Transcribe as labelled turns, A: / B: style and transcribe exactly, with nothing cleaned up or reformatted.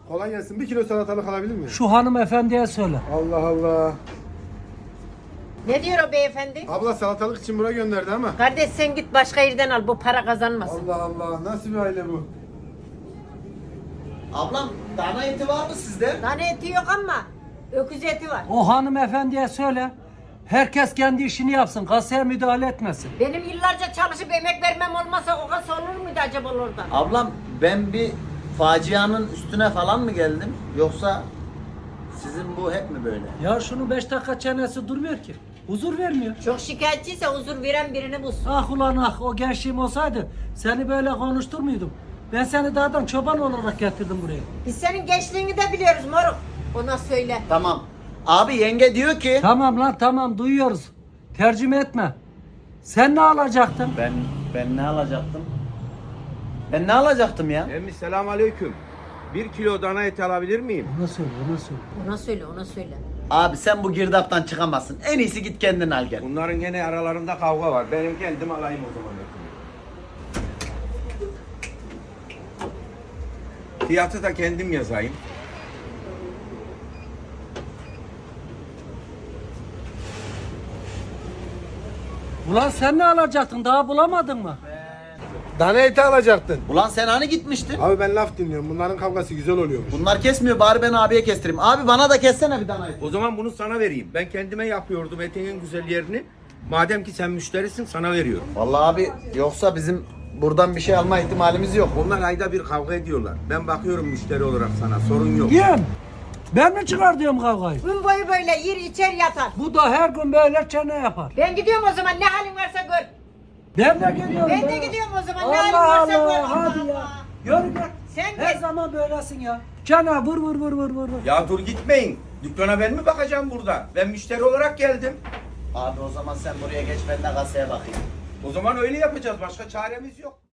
A: Kolay gelsin. Bir kilo salatalık alabilir miyim?
B: Şu hanımefendiye söyle.
A: Allah Allah.
C: Ne diyor o beyefendi?
A: Abla salatalık için buraya gönderdi ama.
C: Kardeş sen git başka yerden al, bu para kazanmasın.
A: Allah Allah. Nasıl bir aile bu?
D: Ablam dana eti var mı sizde?
C: Tane eti yok ama öküz eti var.
B: O hanımefendiye söyle. Herkes kendi işini yapsın. Kasaya müdahale etmesin.
C: Benim yıllarca çalışıp emek vermem olmasa o kasa olur muydu acaba orada?
D: Ablam ben bir facianın üstüne falan mı geldim? Yoksa sizin bu hep mi böyle?
B: Ya şunun beş dakika çenesi durmuyor ki. Huzur vermiyor.
C: Çok şikayetçiyse huzur veren birini bulsun.
B: Ah ulan ah, o gençliğim olsaydı seni böyle konuştur muydum? Ben seni dağdan çoban olarak getirdim buraya.
C: Biz senin gençliğini de biliyoruz moruk. Ona söyle.
D: Tamam. Abi yenge diyor ki
B: Tamam lan tamam, duyuyoruz. Tercüme etme. Sen ne alacaktın?
D: ben ben ne alacaktım? Ben ne alacaktım ya?
E: Emmi selam aleyküm. Bir kilo dana eti alabilir miyim?
B: Ona söyle, ona söyle.
C: Ona söyle, ona söyle.
D: Abi sen bu girdaptan çıkamazsın. En iyisi git kendin al gel.
E: Bunların gene aralarında kavga var. Benim kendim alayım o zaman. Fiyatı da kendim yazayım.
B: Ulan sen ne alacaktın? Daha bulamadın mı?
A: Dana eti alacaktın.
D: Ulan sen hani gitmiştin?
A: Abi ben laf dinliyorum. Bunların kavgası güzel oluyormuş.
D: Bunlar kesmiyor, bari ben abiye kestireyim. Abi bana da kessene bir dana eti.
E: O zaman bunu sana vereyim. Ben kendime yapıyordum etinin güzel yerini. Madem ki sen müşterisin sana veriyorum.
D: Vallahi abi yoksa bizim buradan bir şey alma ihtimalimiz yok.
E: Onlar ayda bir kavga ediyorlar. Ben bakıyorum müşteri olarak sana. Sorun yok.
B: Yem. Ben mi çıkartıyorum kavgayı?
C: Gün boyu böyle yer içer yatar.
B: Bu da her gün böyle çene yapar.
C: Ben gidiyorum o zaman, ne halin varsa gör.
B: Ben de geliyorum.
C: Ben de
B: be.
C: gidiyorum o zaman, ne halin
B: Allah
C: varsa gör.
B: Allah, hadi
C: Allah
B: ya.
C: Allah.
B: Yürü gel.
C: Sen
B: Her
C: git.
B: zaman böylesin ya. Çene vur vur vur vur vur.
E: Ya dur gitmeyin. Dükkana ben mi bakacağım burada? Ben müşteri olarak geldim.
D: Abi o zaman sen buraya geç, ben de kasaya bakayım.
E: O zaman öyle yapacağız. Başka çaremiz yok.